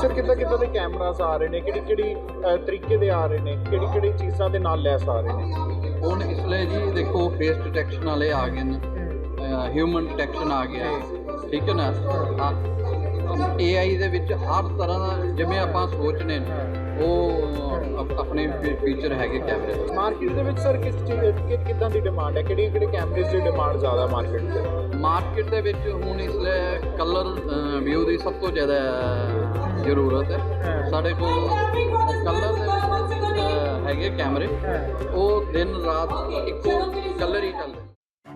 Sir ਕਿੱਦਾਂ ਦੇ cameras ਆ ਰਹੇ ਨੇ, ਕਿਹੜੀ ਤਰੀਕੇ ਦੇ ਆ ਰਹੇ ਨੇ, ਕਿਹੜੀ ਚੀਜ਼ਾਂ ਦੇ ਨਾਲ ਲੈਸ ਆ ਰਹੇ ਨੇ? ਹੁਣ ਇਸ ਲਈ ਜੀ ਦੇਖੋ ਫੇਸ ਡਿਟੈਕਸ਼ਨ ਵਾਲੇ ਆ ਗਏ ਨੇ, ਹਿਊਮਨ ਡਿਟੈਕਸ਼ਨ ਆ ਗਿਆ, ਠੀਕ ਹੈ ਨਾ। AI ਦੇ ਵਿੱਚ ਹਰ ਤਰ੍ਹਾਂ ਦਾ ਜਿਵੇਂ ਆਪਾਂ ਸੋਚਨੇ ਉਹ ਆਪਣੇ ਫੀਚਰ ਹੈਗੇ ਕੈਮਰੇ ਦੇ। ਮਾਰਕੀਟ ਦੇ ਵਿੱਚ ਸਰ ਕਿੱਦਾਂ ਦੀ ਡਿਮਾਂਡ ਹੈ, ਕਿਹੜੇ ਕੈਮਰੇਜ਼ ਦੀ ਡਿਮਾਂਡ ਜ਼ਿਆਦਾ ਮਾਰਕੀਟ ਦੇ ਵਿੱਚ ਹੁਣ ਇਸ ਲਈ ਕਲਰ ਵਿਊ ਦੀ ਸਭ ਤੋਂ ਜ਼ਿਆਦਾ ਜ਼ਰੂਰਤ ਹੈ। ਸਾਡੇ ਕੋਲ ਕਲਰ ਦੇ ਹੈਗੇ ਕੈਮਰੇ, ਉਹ ਦਿਨ ਰਾਤ ਇੱਕੋ ਕਲਰ ਹੀ ਚੱਲਦੇ।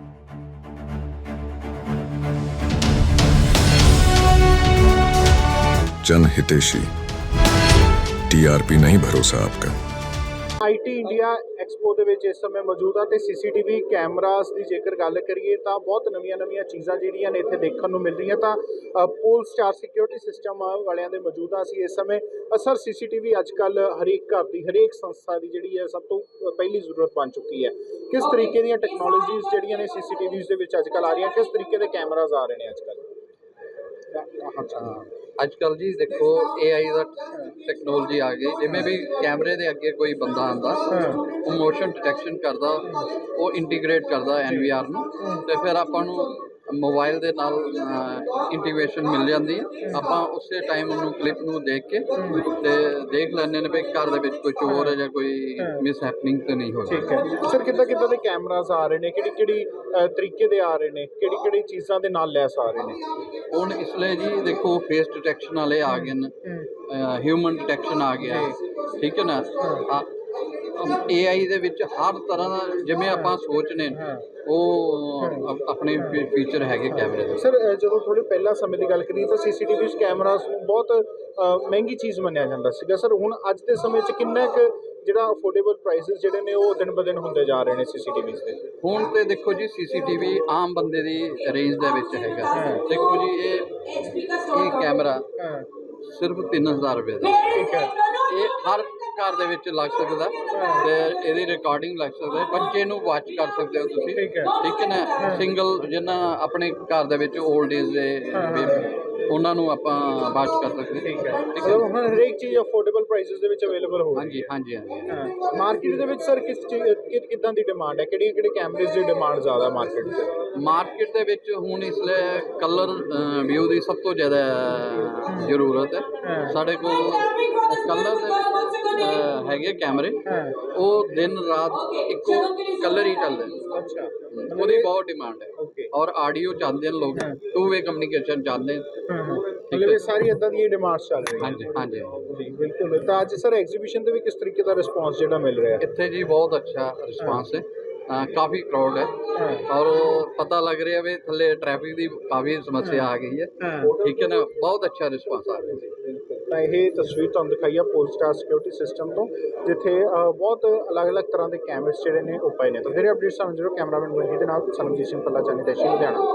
जन हितेशी, TRP नहीं भरोसा आपका। IT ਇੰਡੀਆ ਐਕਸਪੋ ਦੇ ਵਿੱਚ ਇਸ ਸਮੇਂ ਮੌਜੂਦ ਆ ਤੇ CCTV ਕੈਮਰਾਸ ਦੀ ਜੇਕਰ ਗੱਲ ਕਰੀਏ ਤਾਂ ਬਹੁਤ ਨਵੀਆਂ ਚੀਜ਼ਾਂ ਜਿਹੜੀਆਂ ਨੇ ਇੱਥੇ ਦੇਖਣ ਨੂੰ ਮਿਲ ਰਹੀਆਂ। ਤਾਂ ਪੋਲਸਟਾਰ ਸਿਕਿਉਰਿਟੀ ਸਿਸਟਮ ਵਾਲਿਆਂ ਦੇ ਮੌਜੂਦਾ ਸੀ ਇਸ ਸਮੇਂ। ਸਰ CCTV ਅੱਜ ਕੱਲ੍ਹ ਹਰੇਕ ਘਰ ਦੀ ਹਰੇਕ ਸੰਸਥਾ ਦੀ ਜਿਹੜੀ ਹੈ ਸਭ ਤੋਂ ਪਹਿਲੀ ਜ਼ਰੂਰਤ ਬਣ ਚੁੱਕੀ ਹੈ। ਕਿਸ ਤਰੀਕੇ ਦੀਆਂ ਟੈਕਨੋਲੋਜੀਜ਼ ਜਿਹੜੀਆਂ ਨੇ CCTVs ਦੇ ਵਿੱਚ ਅੱਜ ਕੱਲ੍ਹ ਆ ਰਹੀਆਂ, ਕਿਸ ਤਰੀਕੇ ਦੇ ਕੈਮਰਾਜ਼ ਆ ਰਹੇ ਨੇ ਅੱਜ ਕੱਲ੍ਹ? ਅੱਜ ਕੱਲ੍ਹ ਜੀ ਦੇਖੋ AI ਦਾ ਟੈਕਨੋਲੋਜੀ ਆ ਗਈ। ਜਿਵੇਂ ਵੀ ਕੈਮਰੇ ਦੇ ਅੱਗੇ ਕੋਈ ਬੰਦਾ ਆਉਂਦਾ, ਉਹ ਮੋਸ਼ਨ ਡਿਟੈਕਸ਼ਨ ਕਰਦਾ, ਉਹ ਇੰਟੀਗ੍ਰੇਟ ਕਰਦਾ NVR ਨੂੰ, ਅਤੇ ਫਿਰ ਆਪਾਂ ਨੂੰ ਮੋਬਾਈਲ ਦੇ ਨਾਲ ਇੰਟੀਗ੍ਰੇਸ਼ਨ ਮਿਲ ਜਾਂਦੀ ਹੈ। ਆਪਾਂ ਉਸੇ ਟਾਈਮ ਉਹਨੂੰ ਕਲਿੱਪ ਨੂੰ ਦੇਖ ਕੇ ਅਤੇ ਦੇਖ ਲੈਂਦੇ ਨੇ ਵੀ ਘਰ ਦੇ ਵਿੱਚ ਕੋਈ ਚੋਰ ਹੈ ਜਾਂ ਕੋਈ ਮਿਸ ਹੈਪਨਿੰਗ ਤਾਂ ਨਹੀਂ ਹੋ ਰਹੀ। ਠੀਕ ਹੈ ਸਰ, ਕਿੱਦਾਂ ਦੇ ਕੈਮਰਾਜ਼ ਆ ਰਹੇ ਨੇ, ਕਿਹੜੀ ਤਰੀਕੇ ਦੇ ਆ ਰਹੇ ਨੇ, ਕਿਹੜੀ ਚੀਜ਼ਾਂ ਦੇ ਨਾਲ ਲੈਸ ਆ ਰਹੇ ਨੇ? ਹੁਣ ਇਸ ਲਈ ਜੀ ਦੇਖੋ ਫੇਸ ਡਿਟੈਕਸ਼ਨ ਵਾਲੇ ਆ ਗਏ ਨੇ, ਹਿਊਮਨ ਡਿਟੈਕਸ਼ਨ ਆ ਗਿਆ, ਠੀਕ ਹੈ ਨਾ। AI ਦੇ ਵਿੱਚ ਹਰ ਤਰ੍ਹਾਂ ਦਾ ਜਿਵੇਂ ਆਪਾਂ ਸੋਚਨੇ ਉਹ ਆਪਣੇ ਫੀਚਰ ਹੈਗੇ ਕੈਮਰੇ ਦੇ। ਸਰ ਜਦੋਂ ਥੋੜ੍ਹੇ ਪਹਿਲਾਂ ਸਮੇਂ ਦੀ ਗੱਲ ਕਰੀਏ ਤਾਂ CCTV ਕੈਮਰਾਸ ਨੂੰ ਬਹੁਤ ਮਹਿੰਗੀ ਚੀਜ਼ ਮੰਨਿਆ ਜਾਂਦਾ ਸੀਗਾ। ਸਰ ਹੁਣ ਅੱਜ ਦੇ ਸਮੇਂ 'ਚ ਕਿੰਨਾ ਕੁ ਜਿਹੜਾ ਅਫੋਰਡੇਬਲ ਪ੍ਰਾਈਸਿਸ ਜਿਹੜੇ ਨੇ ਉਹ ਦਿਨ ਬ ਦਿਨ ਹੁੰਦੇ ਜਾ ਰਹੇ ਨੇ CCTVs ਦੇ? ਹੁਣ ਤੇ ਦੇਖੋ ਜੀ CCTV ਆਮ ਬੰਦੇ ਦੀ ਰੇਂਜ ਦੇ ਵਿੱਚ ਹੈਗਾ। ਦੇਖੋ ਜੀ ਇਹ ਕੈਮਰਾ ਸਿਰਫ 3000 ਰੁਪਏ ਦਾ, ਠੀਕ ਹੈ। ਇਹ ਹਰ ਘਰ ਦੇ ਵਿੱਚ ਲੱਗ ਸਕਦਾ ਤੇ ਇਹਦੀ ਰਿਕਾਰਡਿੰਗ ਲੱਗ ਸਕਦਾ। ਬੱਚੇ ਨੂੰ ਵਾਚ ਕਰ ਸਕਦੇ ਹੋ ਤੁਸੀਂ, ਠੀਕ ਹੈ ਨਾ। ਸਿੰਗਲ ਜਿੰਨਾ ਆਪਣੇ ਘਰ ਦੇ ਵਿੱਚ 올ਡ ਏਜ ਦੇ ਉਹਨਾਂ ਨੂੰ ਆਪਾਂ ਵਾਚ ਕਰ ਸਕਦੇ। ਠੀਕ ਹੈ, ਮਤਲਬ ਹੁਣ ਹਰੇਕ ਚੀਜ਼ ਅਫੋਰਡੇਬਲ ਪ੍ਰਾਈਸਿਸ ਦੇ ਵਿੱਚ ਅਵੇਲੇਬਲ ਹੋ ਰਹੀ ਹੈ। ਹਾਂਜੀ। ਮਾਰਕੀਟ ਦੇ ਵਿੱਚ ਸਰ ਕਿੱਦਾਂ ਦੀ ਡਿਮਾਂਡ ਹੈ, ਕਿਹੜੇ ਕੈਮਰੇਜ਼ ਦੀ ਡਿਮਾਂਡ ਜ਼ਿਆਦਾ ਮਾਰਕੀਟ ਦੇ ਵਿੱਚ ਹੁਣ ਇਸ ਲਈ ਕਲਰ ਵਿਊ ਦੀ ਸਭ ਤੋਂ ਜ਼ਿਆਦਾ ਜ਼ਰੂਰਤ ਹੈ। ਸਾਡੇ ਕੋਲ ਕਲਰ ਦੇ ਹੈਗੇ ਕੈਮਰੇ, ਉਹ ਦਿਨ ਰਾਤ ਇੱਕੋ ਕਲਰ ਹੀ ਚੱਲਦੇ। ਅੱਛਾ, ਉਹਦੀ ਬਹੁਤ ਡਿਮਾਂਡ ਹੈ। ਔਰ ਆਡੀਓ ਚਾਹੁੰਦੇ ਨੇ ਲੋਕ, 2-ਵੇ ਕਮਿਊਨੀਕੇਸ਼ਨ ਚਾਹੁੰਦੇ ਨੇ। ਮਤਲਬ ਇਹ ਸਾਰੀ ਇੱਦਾਂ ਦੀਆਂ ਡਿਮਾਂਡਸ ਚੱਲ ਰਹੀਆਂ। ਹਾਂਜੀ ਜੀ ਬਿਲਕੁਲ। ਤਾਂ ਅੱਜ ਸਰ ਐਗਜ਼ੀਬਿਸ਼ਨ ਦੇ ਵੀ ਕਿਸ ਤਰੀਕੇ ਦਾ ਰਿਸਪੌਂਸ ਜਿਹੜਾ ਮਿਲ ਰਿਹਾ ਇੱਥੇ ਜੀ? ਬਹੁਤ ਅੱਛਾ ਰਿਸਪਾਂਸ ਹੈ। ਕਾਫੀ ਕਰਾਊਡ ਹੈ ਔਰ ਪਤਾ ਲੱਗ ਰਿਹਾ ਵੀ ਥੱਲੇ ਟ੍ਰੈਫਿਕ ਦੀ ਕਾਫੀ ਸਮੱਸਿਆ ਆ ਗਈ ਹੈ, ਠੀਕ ਹੈ ਨਾ। ਬਹੁਤ ਅੱਛਾ ਰਿਸਪਾਂਸ ਆ ਰਿਹਾ ਸੀ। ਤਾਂ ਇਹ ਤਸਵੀਰ ਤੁਹਾਨੂੰ ਦਿਖਾਈ ਆ ਪੋਲਸਟਾਰ ਸਿਕਿਉਰਿਟੀ ਸਿਸਟਮ ਤੋਂ, ਜਿੱਥੇ ਬਹੁਤ ਅਲੱਗ ਤਰ੍ਹਾਂ ਦੇ ਕੈਮਰੇਸ ਜਿਹੜੇ ਨੇ ਉਹ ਪਏ ਨੇ। ਤਾਂ ਫਿਰ ਅਪਡੇਟ ਸਾਨੂੰ ਜ਼ਰੂਰ ਕੈਮਰਾਮੈਨ ਮਨਜੀਤ ਦੇ ਨਾਲ, ਸਰਬਜੀਤ ਸਿੰਘ ਪੱਲਾ, ਚਾਨੀ ਦੇਸ਼ੀ, ਲੁਧਿਆਣਾ।